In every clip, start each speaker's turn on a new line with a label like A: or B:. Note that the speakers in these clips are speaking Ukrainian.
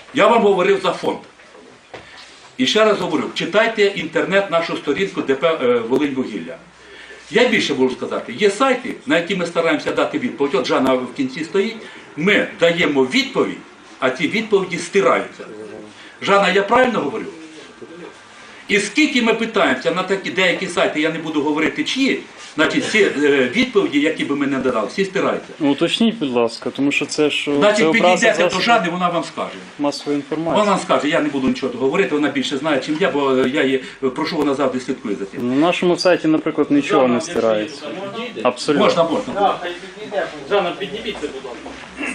A: Я вам говорив за фонд. І ще раз говорю, читайте інтернет, нашу сторінку ДП «Волиньвугілля». Я більше можу сказати, є сайти, на які ми стараємося дати відповідь. От Жанна в кінці стоїть, ми даємо відповідь, а ці відповіді стираються. Жанна, я правильно говорю? І скільки ми питаємося на такі деякі сайти, я не буду говорити чиї, значить всі відповіді, які би ми не додали, всі стираються.
B: Ну, уточніть, будь ласка, тому що це ж
A: Значить, підійдете до Жанни, вона вам скаже.
B: Масової інформації.
A: Вона скаже, я не буду нічого говорити, вона більше знає, чим я, бо я її прошу, вона завжди слідкує за тим.
B: На нашому сайті, наприклад, нічого не стирається. Абсолютно.
A: Можна, можна.
C: Так, хай підійде. Жанна, підніміться, будь ласка.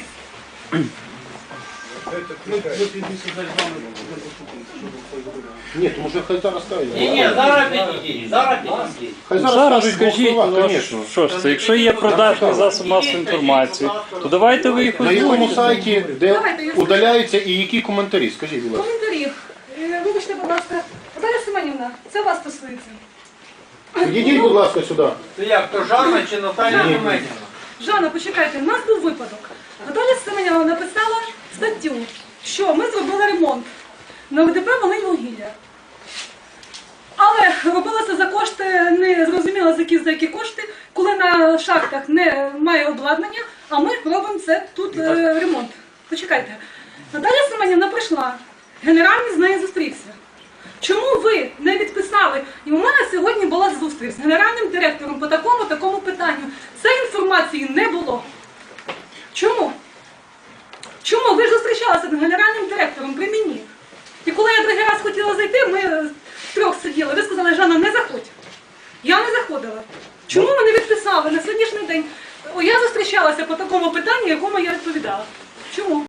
D: Ні, тому що хай зараз скажуть.
C: Ні, зараз підійдіть, зараз підійдіть.
D: Хай
B: Зараз
D: скажуть
B: скажіть,
D: слова,
B: ну,
D: звісно.
B: що ж це, якщо є продажний засоб масової інформації, то давайте ви їх
D: На якому
B: озвучите.
D: сайті, де удаляються і які коментарі? Скажіть, будь ласка.
E: Коментарі. Вибачте, будь ласка, Наталя Семенівна, це вас стосується.
D: Підійдіть, будь ласка, сюди.
C: То як, то Жанна чи Наталя Семенівна?
E: Жанна, почекайте, у нас був випадок. Наталя Семенівна написала статтю, що ми зробили ремонт на ДП «Волиньвугілля». Але робилося за кошти, не зрозуміло за які кошти, коли на шахтах немає обладнання, а ми робимо це тут ремонт. Почекайте. Наталя Семенівна прийшла, генеральний з нею зустрівся. Чому ви не відписали? І у мене сьогодні була зустріч з генеральним директором по такому питанню. Цієї інформації не було. Чому? Чому? Ви ж зустрічалися з генеральним директором при мені. І коли я другий раз хотіла зайти, ми трьох сиділи. Ви сказали, Жанна, не заходь. Я не заходила. Чому ви не відписали на сьогоднішній день? Я зустрічалася по такому питанню, якому я відповідала. Чому?